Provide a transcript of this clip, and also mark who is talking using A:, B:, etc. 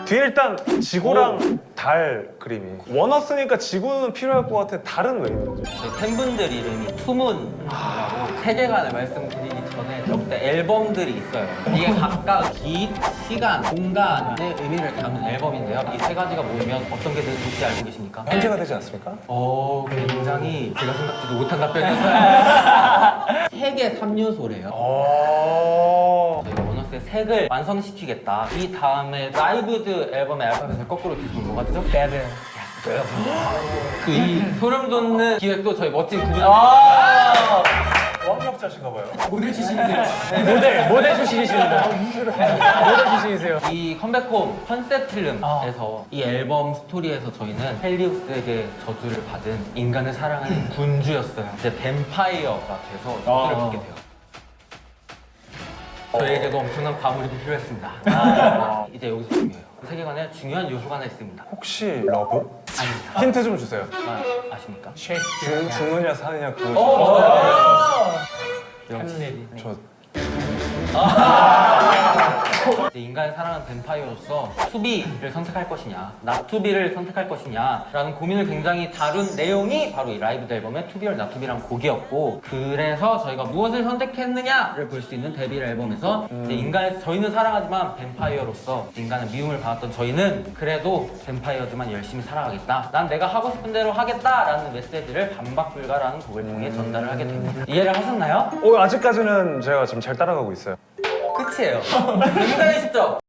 A: 뒤에 일단 지구랑 달 그림이 원어스니까 지구는 필요할 것 같아. 달은 왜 있는 거지?
B: 저희 팬분들 이름이 투문이라고 세계관을 말씀드리기 전에 역대 앨범들이 있어요. 이게 각각 기, 시간, 공간의 의미를 담은 앨범인데요. 이 세 가지가 모이면 어떤 게 될지 알고 계십니까?
A: 현재가 되지 않습니까?
B: 굉장히 제가 생각지도 못한 답변이었어요. 세계 3요소래요. 저희가 원어스의 색을 완성시키겠다. 이 다음에 라이브드 앨범의 알파벳을 거꾸로 뒤집으면 뭐가 되죠?
C: 배드.
B: 그 이 소름 돋는 기획도 저희 멋진 그분
A: 어학력자신가 봐요.
B: 모델 출신이세요.
C: 모델 출신이십니다. 모델 출신이세요.
B: 이 컴백홈 컨셉 필름에서 이 앨범 스토리에서 저희는 헬리우스에게 저주를 받은 인간을 사랑하는 군주였어요. 이제 뱀파이어가 돼서 저주를 받게 돼요. 저희에게도 엄청난 과몰입이 필요했습니다. 이제 여기서 중요해요. 그 세계관에 중요한 요소가 하나 있습니다.
A: 혹시 러브?
B: 아닙니다.
A: 힌트 좀 주세요.
B: 아십니까?
A: 죽느냐 사느냐 그거.
B: 역시
A: 저
B: 이제 인간을 사랑하는 뱀파이어로서 투비를 선택할 것이냐 나투비를 선택할 것이냐 라는 고민을 굉장히 다룬 내용이 바로 이 라이브 앨범의 투비 or 나투비라는 곡이었고, 그래서 저희가 무엇을 선택했느냐를 볼 수 있는 데뷔 앨범에서 이제 저희는 사랑하지만 뱀파이어로서 인간의 미움을 받았던 저희는 그래도 뱀파이어지만 열심히 살아가겠다, 난 내가 하고 싶은 대로 하겠다 라는 메시지를 반박불가라는 곡을 통해 전달을 하게 됩니다. 이해를 하셨나요?
A: 아직까지는 제가 지금 잘 따라가고 있어요.
B: 끝이에요. 굉장히 쉽죠?